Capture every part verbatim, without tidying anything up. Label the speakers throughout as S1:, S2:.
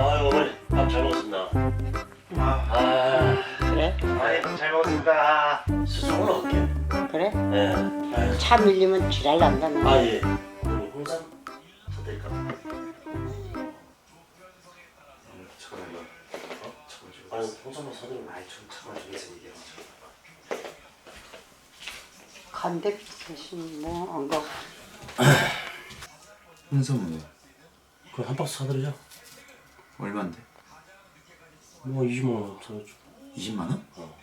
S1: 아유 어머니 밥 잘 먹었습니다.
S2: 아,
S1: 아
S3: 그래?
S2: 아이, 잘 먹었습니다.
S1: 수술 올라갈게.
S3: 그래?
S1: 예. 아유.
S3: 차 밀리면 지랄 난다는
S1: 아 예. 어머니 홍삼 사드릴까?
S2: 잠깐만요. 어? 잠깐만 좀.
S1: 아니 홍삼만 사드리면.
S2: 아이, 좀 잠깐만 좀 해서 얘기해.
S3: 간대 대신 뭐안 가고
S4: 홍삼은 왜?
S1: 그럼 한 박스 사드리자.
S4: 얼만데?
S1: 뭐 이십만 원 사줘.
S4: 이십만 원?
S1: 어.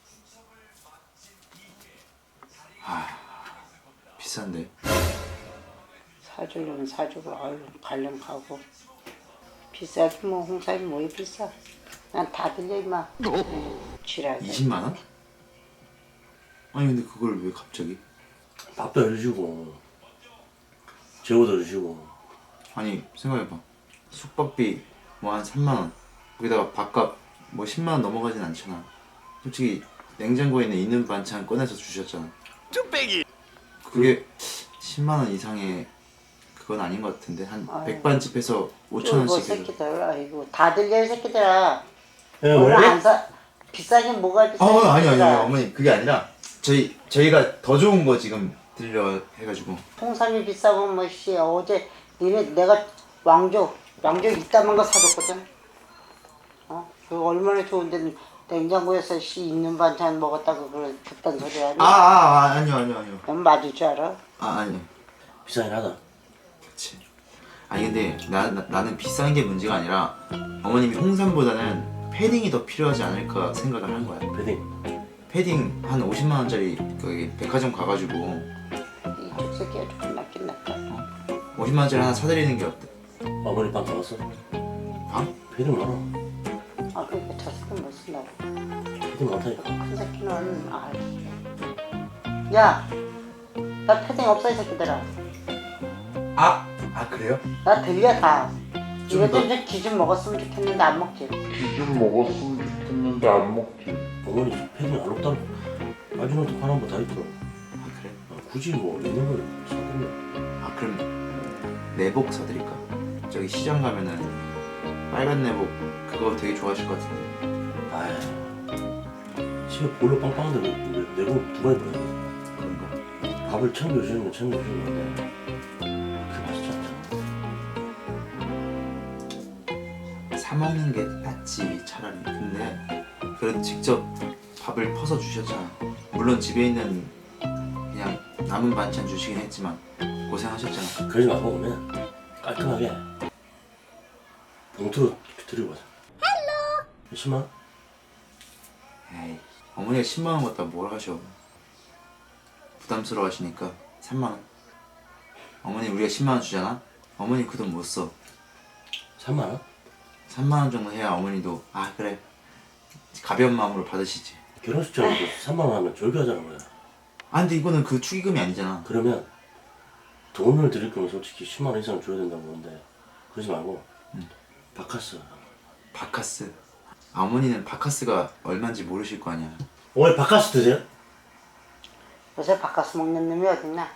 S4: 아 비싼데.
S3: 사주려면 사주고 아유 관련 가고 비싸지 뭐 홍삼이 뭐에 비싸 난 다 들려 임마 지랄
S4: 이십만 원? 아니 근데 그걸 왜 갑자기?
S1: 밥도 해주시고 재워도 해주시고.
S4: 아니 생각해봐. 숙박비 뭐 한 삼만 원 거기다가 밥값 뭐 십만 원 넘어가진 않잖아. 솔직히 냉장고에 있는 있는 반찬 꺼내서 주셨잖아. 쭈빼기! 그게 십만 원 이상의 그건 아닌 것 같은데 한
S3: 아유.
S4: 백반집에서 오천 원씩 해줘.
S3: 새끼들 아이고 다 들려 이 새끼들아
S1: 예
S3: 오늘
S1: 어머니?
S3: 안 사 비싸긴 뭐가 비싸
S4: 아 아니 아니 아니 어머니 그게 아니라 저희 저희가 더 좋은 거 지금 들려 해가지고.
S3: 홍삼이 비싸고 뭐씨 어제 니네 내가 왕조 왕조 이따만 거 사줬거든 어? 그 얼마나 좋은데 냉장고에서 씨 있는 반찬 먹었다고 그런 그딴 소리 하니?
S4: 아, 아, 아 아니요 아니요 아니요.
S3: 넌 맞을 줄 알아?
S4: 아 아니요.
S1: 비싸긴 하다.
S4: 그치. 아니 근데 나, 나, 나는 비싼 게 문제가 아니라 어머님이 홍삼보다는 패딩이 더 필요하지 않을까 생각을 한 거야.
S1: 패딩.
S4: 패딩 한 오십만 원짜리 거기 백화점 가가지고
S3: 이쪽 새끼가 조금 낫긴 낫다
S4: 오십만 원짜리 하나 사드리는 게 어때?
S1: 어머니 밥 먹었어?
S4: 방?
S1: 패딩 많아.
S3: 아 그러니까 저 새끼는 못 쓴다고
S1: 패딩 많다니까.
S3: 큰 새끼는 아이 야나 패딩 없어 이 새끼들아
S4: 아! 아 그래요?
S3: 나 들려 다
S4: 좀
S3: 이것도
S4: 더-
S3: 좀 기준 먹었으면 좋겠는데 안 먹지
S5: 좀 먹었으면 좋겠는데 안 먹지.
S1: 어머니 패딩 안 없다고. 마지막에 파란 거 다 있더라.
S4: 아 그래?
S1: 아, 굳이 뭐 있는 걸 사드리면.
S4: 아 그럼 내복 사드릴까? 저기 시장 가면은 빨간 내복 그거 되게 좋아하실 것 같은데.
S1: 아이 집에 볼로 빵빵한데 왜 내고 두 번에 봐야 돼?
S4: 그런가?
S1: 밥을 챙겨주는 건 챙겨주는 건데 그게 맛있지 않잖아.
S4: 사 먹는 게 낫지 차라리. 근데 그래도 직접 밥을 퍼서 주셨잖아. 물론 집에 있는 그냥 남은 반찬 주시긴 했지만 고생하셨잖아.
S1: 그러지 말고 오면 깔끔하게 봉투로 드리고 가자. 헬로. 십만 원?
S4: 에이 어머니가 십만 원 갖다 뭘 하셔. 부담스러워 하시니까 삼만 원. 어머니 우리가 십만 원 주잖아? 어머니 그 돈 못 써.
S1: 삼만 원?
S4: 삼만 원 정도 해야 어머니도 아 그래 가벼운 마음으로 받으시지.
S1: 결혼식 자리도 삼만 원 하면 졸교하자는 거야.
S4: 아 근데 이거는 그 축의금이 아니잖아.
S1: 그러면 돈을 드릴 거면 솔직히 십만 원 이상 줘야 된다고 보는데 그러지 말고
S4: 응.
S1: 바카스.
S4: 바카스. 아, 어머니는 바카스가 얼마인지 모르실 거 아니야.
S1: 어머니 바카스 드세요?
S3: 요새 바꿔서 먹는 놈이 어딨나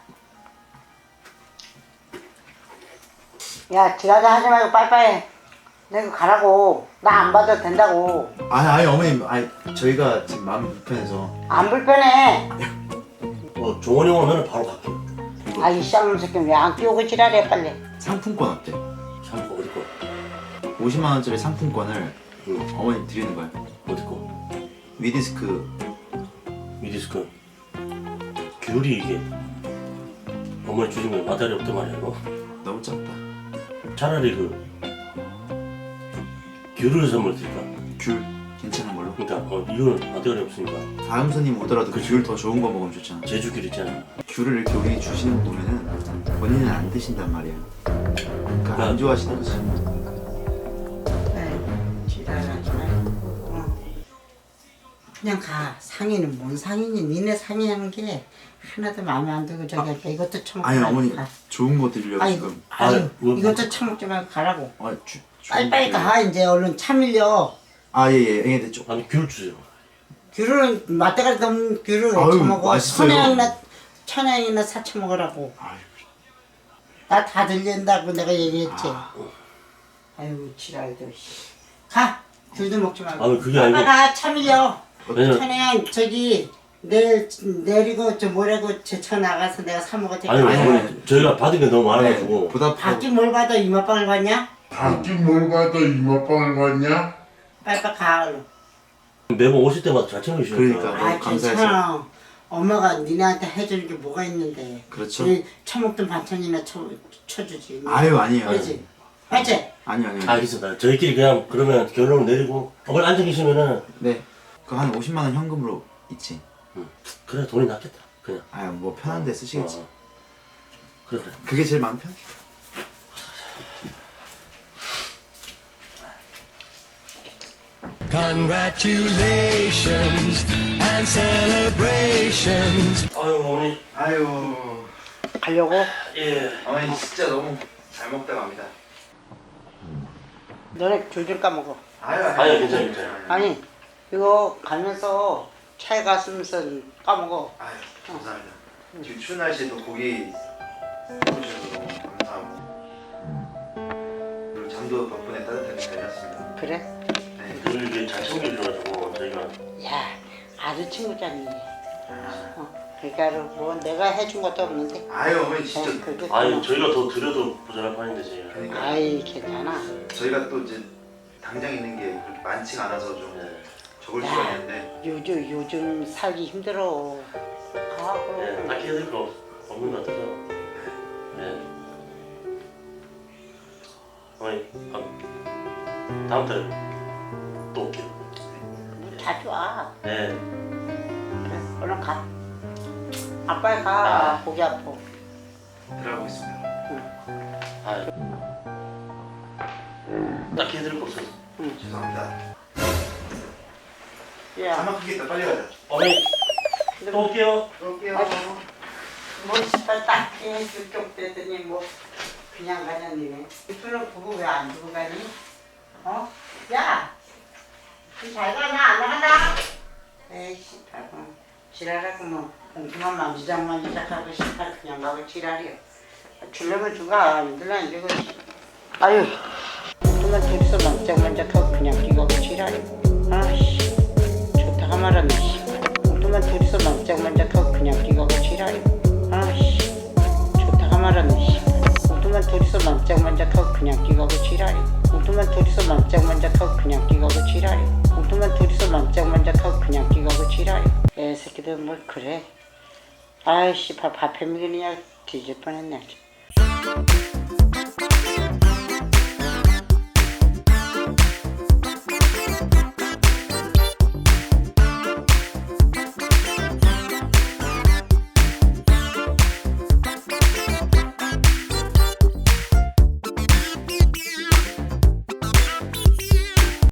S3: 야 지랄자 하지 말고 빨리빨리 내가 가라고 나 안 받아도 된다고
S4: 아니 아니 어머님 아니 저희가 지금 마음이 불편해서.
S3: 안 불편해
S1: 어 종원이 오면 바로 갈게.
S4: 이거
S3: 아이 쌍놈 새끼 왜 안 끼우고 지랄해 빨리
S4: 상품권 어때?
S1: 상품 어디 거?
S4: 오십만 원짜리 상품권을
S1: 응.
S4: 어머님 드리는 거야.
S1: 어디 거?
S4: 위디스크.
S1: 미디스크. 귤이 이게 어머니 주신 거 마다리 없단 말이야 이거.
S4: 너무 작다.
S1: 차라리 그 귤을 선물 드릴까?
S4: 귤 괜찮은 걸로.
S1: 그러니까 어, 이거는 마다리 없으니까
S4: 다음 손님 오더라도 그 귤 더 좋은 거 먹으면 좋잖아.
S1: 제주 귤 있잖아.
S4: 귤을 이렇게 우리 주시는 거 보면은 본인은 안 드신단 말이야. 그러니까 안 좋아하시는 거지.
S3: 지랄하지 말고 어. 그냥 가 상의는 뭔 상의니 니네 상의하는 게 하나도 마음에 안 들고 저기 아, 이것도 처먹지
S4: 아니
S3: 말고
S4: 어머니
S3: 가.
S4: 좋은 거 드리려고
S3: 아니,
S4: 지금.
S3: 아니
S1: 아, 뭐,
S3: 이것도 처먹지 말고 가라고
S4: 아, 주, 좋은
S3: 빨리빨리
S4: 거
S3: 가 이제 얼른 차 밀려
S4: 아예예 예, 예, 좀.
S1: 아니 귤 주세요.
S3: 귤은 맛대가리 없는 귤을 왜
S4: 아유,
S3: 처먹어
S4: 맛있어요.
S3: 천양이나 천양이나 사쳐 먹으라고
S4: 아유,
S3: 나 다 들린다고 내가 얘기했지
S4: 아.
S3: 아유 지랄도 씨. 가. 귤도 먹지 말고.
S1: 아니, 그게 아니고-
S3: 가 참이려.
S1: 왜냐면
S3: 천에 저기 내일 내리고 저 뭐라고 제차 나가서 내가 사 먹을 테니까.
S1: 아니
S3: 아유,
S1: 어머니 저희가 받은 게 너무 많아가지고
S4: 네, 보답하고
S3: 받긴 뭘 받아 이마빵을 받냐?
S5: 밖에 뭘 가다 이마빵을 갔냐?
S3: 빨리빨리 가 얼른.
S1: 매번 오실 때마다 잘 챙겨주시니까
S4: 그러니까.
S3: 아
S4: 너무 감사해서.
S3: 괜찮아. 엄마가 니네한테 해주는 게 뭐가 있는데.
S4: 그렇죠.
S3: 우리 처먹던 반찬이나 쳐, 쳐주지.
S4: 아유 아니에요.
S3: 그렇지? 맞지?
S4: 아니요 아니요.
S1: 알겠습니다. 저희끼리 그냥 그러면 결론을 내리고 어머니 앉아 계시면은
S4: 네. 그 한 오십만 원 현금으로 있지.
S1: 그래 돈이 낫겠다 그냥.
S4: 아유 뭐 편한데 쓰시겠지.
S1: 어. 그래 그래.
S4: 그게 제일 마음 편.
S6: Congratulations and celebrations.
S1: 아유 어머니.
S4: 아유
S3: 가려고?
S1: 예.
S4: 어머니 진짜 너무 잘 먹다 갑니다.
S3: 너네 줄줄 까먹어.
S4: 아유
S1: 아니 괜찮아 괜찮아.
S3: 아니 이거 가면서 차에 갔으면서 까먹어.
S4: 아유 감사합니다. 지금 추운 날씨에도 고기 해주셔서 너무 감사하고 그리고 잠도 덕분에 따뜻하게 잘 잤습니다.
S3: 그래?
S4: 네.
S1: 늘 이게 잘 챙겨주셔가지고 저희가
S3: 야 아주 친구잖니. 어, 그러니까 뭐 내가 해준 것도 없는데.
S4: 아유 어머니 진짜
S3: 어, 그게
S1: 아니
S3: 고마워.
S1: 저희가 더 드려도 모자랄 판인데 저희가.
S4: 그러니까
S3: 아이 괜찮아.
S4: 저희가 또 이제 당장 있는 게 그렇게 많지가 않아서 좀
S1: 네.
S4: 적을
S3: 야.
S4: 시간이었는데
S3: 요즘 요즘 살기 힘들어. 아
S1: 네,
S3: 그럼.
S1: 딱히 해드릴 거 없는 것 같아서. 네. 어머니, 아, 다음 달에 또 올게요.
S3: 뭐 자주 와.
S1: 네.
S3: 그래 얼른 가. 아빠야 가.
S1: 아.
S3: 고기 아파.
S4: 들어가고 있습니다.
S1: 아, 딱히 해드릴 거 없어서.
S4: 죄송합니다.
S3: 야.
S4: 자막 크겠다 빨리 가자.
S1: 어머니, 또 올게요.
S4: 또 올게요.
S3: 뭐 씨발 딱히 쭉쭉 빼더니 뭐 그냥 가냐 니네. 이쁘는 그거 왜 안 두고 가니? 어? 야! 잘 가냐 안 나간다? 에이 씨발 뭐 지랄하고 뭐 공기만 만지작 만지작 하고 씨발 그냥 가고 지랄이야. 주려면 주가 안 들라 이제 그 아유 그만 둘이서 만지작만지작하고 그냥 끼고 지랄이야. 아씨 좋다가 말았네 씨발. 그만 둘이서 만지작만지작하고 그냥 끼고 지랄이야. 아씨 좋다가 말았네 씨발. 우두만 둘이서 만짝만짝하고 그냥 끼가고 지랄이. 우두만 둘이서 만짝만짝하고 그냥 끼가고 지랄이. 우두만 둘이서 만짝만짝하고 그냥 끼가고 지랄이. 애 새끼들 뭘 그래. 아이씨 밥, 밥 해먹으냐 뒤질 뻔했네.